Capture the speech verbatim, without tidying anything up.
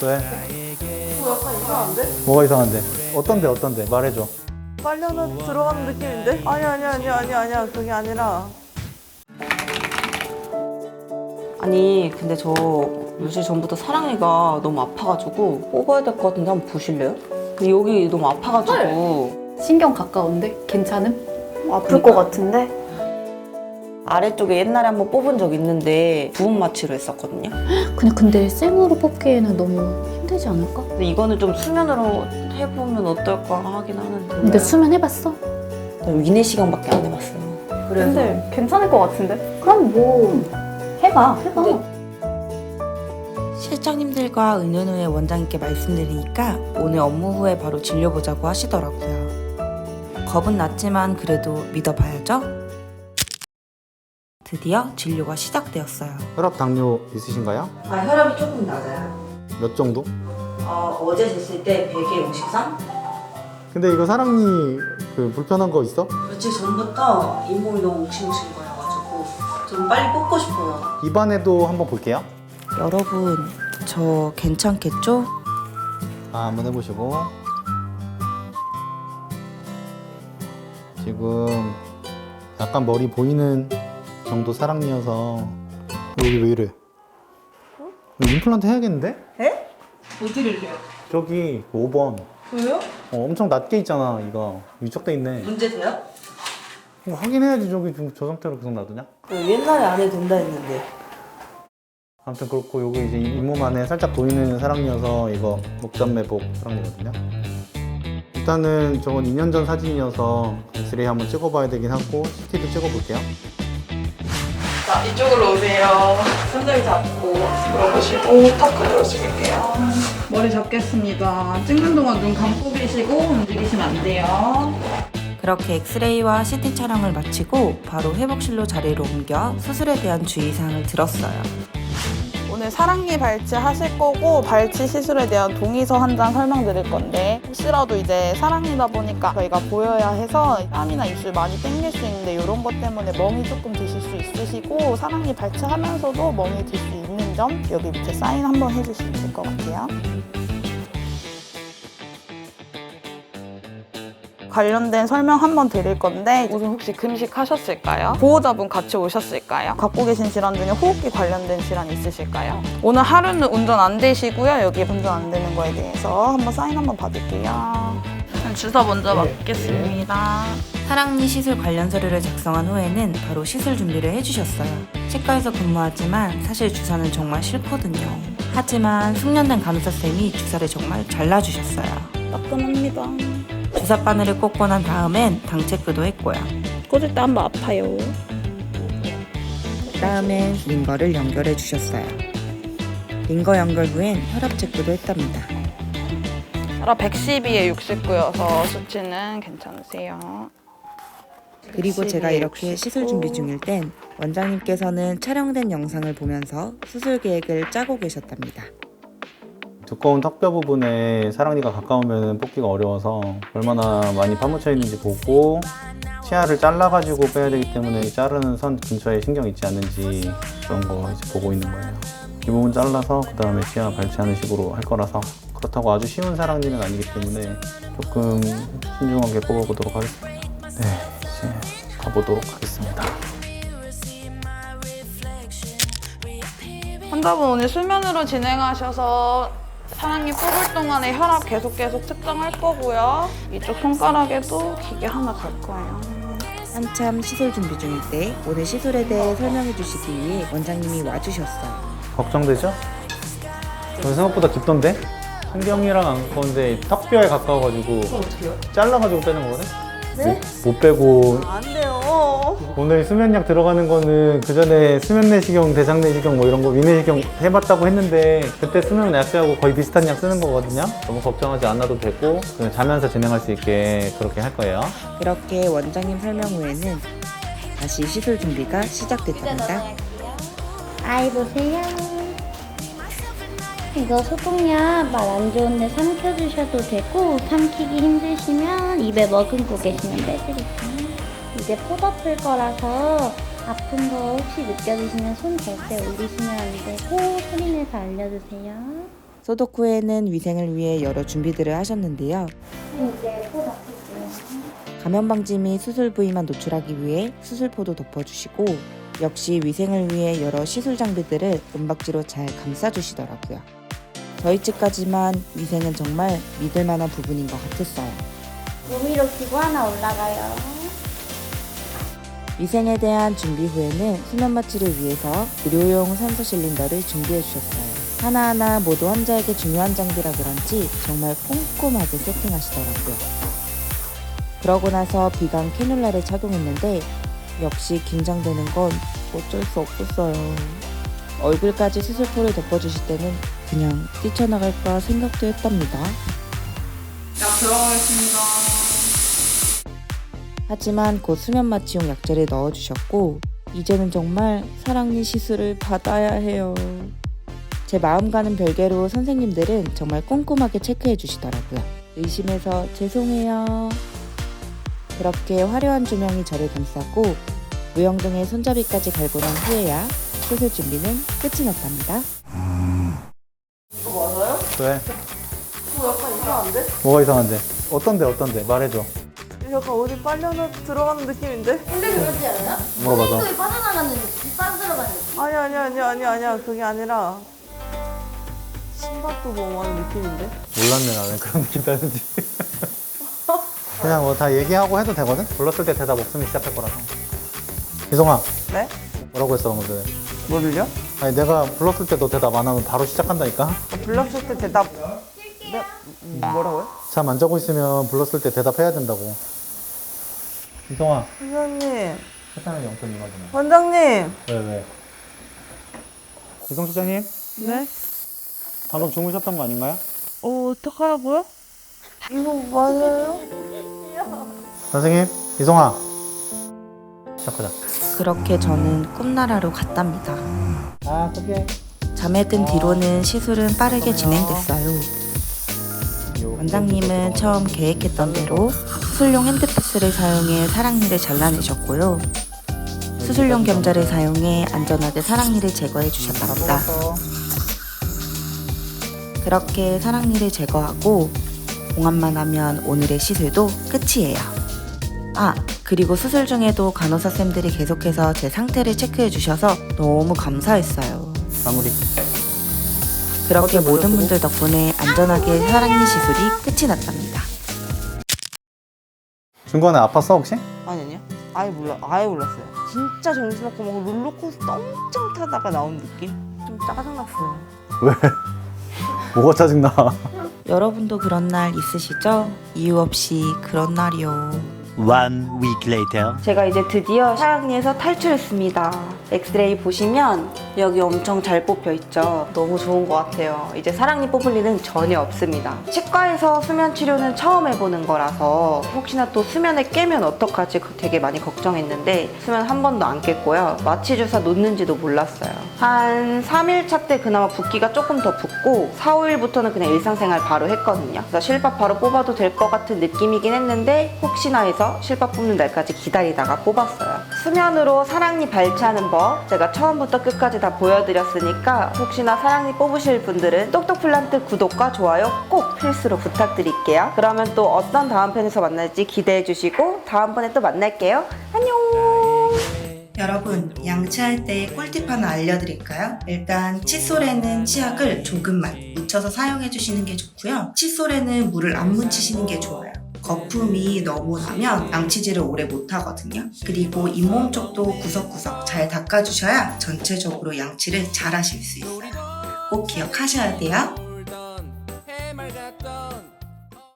왜? 어, 약간 이상한데? 뭐가 이상한데? 어떤데 어떤데? 말해줘. 빨려나 들어가는 느낌인데? 아니 아니 아니 아니 아니야 그게 아니라. 아니 근데 저 며칠 전부터 사랑이가 너무 아파가지고 뽑아야 될 것 같은데 한번 보실래요? 근데 여기 너무 아파가지고 신경 가까운데? 괜찮음? 아플 것 같은데? 아래쪽에 옛날에 한번 뽑은 적 있는데 부분 마취로 했었거든요. 그냥 근데 생으로 뽑기에는 너무 힘들지 않을까? 근데 이거는 좀 수면으로 해보면 어떨까 하긴 하는데. 근데 수면 해봤어? 나 위내 시경밖에 안 해봤어요. 그래서 근데 괜찮을 것 같은데? 그럼 뭐 해봐 해봐. 실장님들과 의논 후에 원장님께 말씀드리니까 오늘 업무 후에 바로 진료보자고 하시더라고요. 겁은 났지만 그래도 믿어봐야죠. 드디어 진료가 시작되었어요. 혈압 당뇨 있으신가요? 아 혈압이 조금 낮아요. 몇 정도? 어, 어제 쟀을 때 백에 오십삼? 근데 이거 사랑니 그 불편한 거 있어? 며칠 전부터 잇몸이 너무 욱신욱신 거려가지고 좀 빨리 뽑고 싶어요. 입안에도 한번 볼게요. 여러분, 저 괜찮겠죠? 아, 한번 해보시고. 지금 약간 머리 보이는 정도 사랑니여서 여기 왜 이래? 이거 임플란트 해야겠는데? 에? 어디를요? 저기 오 번. 왜요? 어, 엄청 낮게 있잖아. 이거 유착돼 있네. 문제 돼요? 이거 확인해야지. 저기 지금 저 상태로 계속 놔두냐? 옛날에 안 해도 된다 했는데. 아무튼 그렇고 여기 이제 잇몸 안에 살짝 보이는 사랑니여서 이거 목전매복 사랑니거든요. 일단은 저건 이 년 전 사진이어서 엑스레이 한번 찍어봐야 되긴 하고 씨티도 찍어볼게요. 자, 이쪽으로 오세요. 손잡이 잡고 들어보시고 턱 들어주실게요. 머리 잡겠습니다. 찍는 동안 눈 감고 계시고 움직이시면 안 돼요. 그렇게 엑스레이와 씨티 촬영을 마치고 바로 회복실로 자리를 옮겨 수술에 대한 주의사항을 들었어요. 오늘 사랑니 발치 하실 거고 발치 시술에 대한 동의서 한 장 설명드릴 건데 혹시라도 이제 사랑니다 보니까 저희가 보여야 해서 땀이나 입술 많이 땡길 수 있는데 이런 것 때문에 멍이 조금 드실 수 있으시고 사랑니 발치하면서도 멍이 들 수 있는 점 여기 밑에 사인 한번 해주시면 될 것 같아요. 관련된 설명 한번 드릴 건데 우선 혹시 금식하셨을까요? 보호자분 같이 오셨을까요? 갖고 계신 질환 중에 호흡기 관련된 질환 있으실까요? 오늘 하루는 운전 안 되시고요. 여기 운전 안 되는 거에 대해서 한번 사인 한번 받을게요. 주사 먼저 맞겠습니다. 사랑니 시술 관련 서류를 작성한 후에는 바로 시술 준비를 해주셨어요. 치과에서 근무하지만 사실 주사는 정말 싫거든요. 하지만 숙련된 간호사쌤이 주사를 정말 잘 놔주셨어요. 따끔합니다. 주사 바늘을 꽂고 난 다음엔 당 체크도 했고요. 꽂을 때 한번 아파요. 다음엔 링거를 연결해 주셨어요. 링거 연결 후엔 혈압 체크도 했답니다. 혈압 백십이에 육십구여서 수치는 괜찮으세요. 그리고 제가 이렇게 시술 준비 중일 땐 원장님께서는 촬영된 영상을 보면서 수술 계획을 짜고 계셨답니다. 두꺼운 턱뼈 부분에 사랑니가 가까우면 뽑기가 어려워서 얼마나 많이 파묻혀 있는지 보고 치아를 잘라가지고 빼야 되기 때문에 자르는 선 근처에 신경 있지 않는지 그런 거 이제 보고 있는 거예요. 이 부분 잘라서 그 다음에 치아 발치하는 식으로 할 거라서 그렇다고 아주 쉬운 사랑니는 아니기 때문에 조금 신중하게 뽑아보도록 하겠습니다. 네, 이제 가보도록 하겠습니다. 환자분 오늘 수면으로 진행하셔서 사랑니 뽑을 동안에 혈압 계속 계속 측정할 거고요. 이쪽 손가락에도 기계 하나 갈 거예요. 한참 시술 준비 중일 때 오늘 시술에 대해 설명해 주시기 위해 원장님이 와주셨어요. 걱정되죠? 저 생각보다 깊던데? 신경이랑 안 가까운데 턱뼈에 가까워가지고 어떡해요? 잘라가지고 빼는 거거든? 네? 못, 못 빼고 안 돼요. 오늘 수면약 들어가는 거는 그 전에 수면내시경, 대장내시경 뭐 이런 거 위내시경 해봤다고 했는데 그때 쓰는 약제하고 거의 비슷한 약 쓰는 거거든요. 너무 걱정하지 않아도 되고 그냥 자면서 진행할 수 있게 그렇게 할 거예요. 그렇게 원장님 설명 후에는 다시 시술 준비가 시작됐답니다. 아이 보세요. 이거 소독약 말 안 좋은데 삼켜주셔도 되고 삼키기 힘드시면 입에 머금고 계시면 빼드릴게요. 이제 포 덮을 거라서 아픈 거 혹시 느껴지시면 손 댈 때 올리시면 안 되고 소리 내서 알려주세요. 소독 후에는 위생을 위해 여러 준비들을 하셨는데요. 이제 포 덮을게요. 감염 방지 및 수술 부위만 노출하기 위해 수술포도 덮어주시고 역시 위생을 위해 여러 시술 장비들을 은박지로 잘 감싸주시더라고요. 저희 측까지만 위생은 정말 믿을 만한 부분인 것 같았어요. 몸 위로 기구 하나 올라가요. 위생에 대한 준비 후에는 수면 마취를 위해서 의료용 산소 실린더를 준비해 주셨어요. 하나하나 모두 환자에게 중요한 장비라 그런지 정말 꼼꼼하게 세팅하시더라고요. 그러고 나서 비강 캐뉼라를 착용했는데 역시 긴장되는 건 어쩔 수 없었어요. 얼굴까지 수술포를 덮어주실 때는 그냥 뛰쳐나갈까 생각도 했답니다. 자, 들어가겠습니다. 하지만 곧 수면 마취용 약제를 넣어주셨고 이제는 정말 사랑니 시술을 받아야 해요. 제 마음과는 별개로 선생님들은 정말 꼼꼼하게 체크해 주시더라고요. 의심해서 죄송해요. 그렇게 화려한 조명이 저를 감싸고 무영등의 손잡이까지 갈고 난 후에야 수술 준비는 끝이 났답니다. 왜? 뭐 약간 이상한데? 뭐가 이상한데? 어떤데 어떤데? 말해줘. 약간 어디 빨려나 들어가는 느낌인데? 근데 그러지 않아? 물어봐서. 소금이 빠져나가는 느낌? 빠져나가는 느낌? 아니 아니 아니 아니 아니야 그게 아니라 심박도 너무 하는 느낌인데? 몰랐네 나는 그런 느낌 따는지. 그냥 뭐 다 얘기하고 해도 되거든? 불렀을 때 대답 없으면 시작할 거라서. 이성아. 네? 뭐라고 했어 방금 전에? 뭐를요? 아니 내가 불렀을 때 너 대답 안 하면 바로 시작한다니까? 불렀을 때 대답 네? 뭐라고요? 차 만져고 있으면 불렀을 때 대답해야 된다고. 이성아. 원장님 세상에 영점 이만이네. 원장님 왜 왜? 이성 실장님? 네? 방금 주무셨던 거 아닌가요? 어 어떡하라고요? 이거 맞아요? 선생님, 이성아. 시작하자. 그렇게 저는 꿈나라로 갔답니다. 아, 그게. 잠에 든 뒤로는 시술은 빠르게 진행됐어요. 원장님은 처음 계획했던 대로 수술용 핸드피스를 사용해 사랑니를 잘라내셨고요. 수술용 겸자를 사용해 안전하게 사랑니를 제거해 주셨답니다. 그렇게 사랑니를 제거하고 봉합만 하면 오늘의 시술도 끝이에요. 아, 그리고 수술 중에도 간호사쌤들이 계속해서 제 상태를 체크해 주셔서 너무 감사했어요. 마무리. 그렇게 모든 분들 덕분에 안전하게 사랑니 시술이 끝이 났답니다. 중간에 아팠어, 혹시? 아니 아니요 아예 몰라 아예 몰랐어요 진짜 정신없고 막 롤러코스터 엄청 타다가 나온 느낌? 좀 짜증났어요 왜? 뭐가 짜증나? 여러분도 그런 날 있으시죠? 이유 없이 그런 날이요. One week later. 제가 이제 드디어 사랑니에서 탈출했습니다. 엑스레이 보시면 여기 엄청 잘 뽑혀 있죠. 너무 좋은 것 같아요. 이제 사랑니 뽑을 일은 전혀 없습니다. 치과에서 수면 치료는 처음 해보는 거라서 혹시나 또 수면에 깨면 어떡하지 되게 많이 걱정했는데 수면 한 번도 안 깼고요. 마취 주사 놓는지도 몰랐어요. 한 삼 일 차 때 그나마 붓기가 조금 더 붓고 사, 오 일부터는 그냥 일상생활 바로 했거든요. 그래서 실밥 바로 뽑아도 될 것 같은 느낌이긴 했는데 혹시나 해서 실밥 뽑는 날까지 기다리다가 뽑았어요. 수면으로 사랑니 발치하는 법 제가 처음부터 끝까지 다 보여드렸으니까 혹시나 사랑니 뽑으실 분들은 똑똑플란트 구독과 좋아요 꼭 필수로 부탁드릴게요. 그러면 또 어떤 다음 편에서 만날지 기대해주시고 다음번에 또 만날게요. 안녕. 여러분, 양치할 때 꿀팁 하나 알려드릴까요? 일단 칫솔에는 치약을 조금만 묻혀서 사용해주시는 게 좋고요. 칫솔에는 물을 안 묻히시는 게 좋아요. 거품이 너무 나면 양치질을 오래 못하거든요. 그리고 잇몸 쪽도 구석구석 잘 닦아주셔야 전체적으로 양치를 잘 하실 수 있어요. 꼭 기억하셔야 돼요.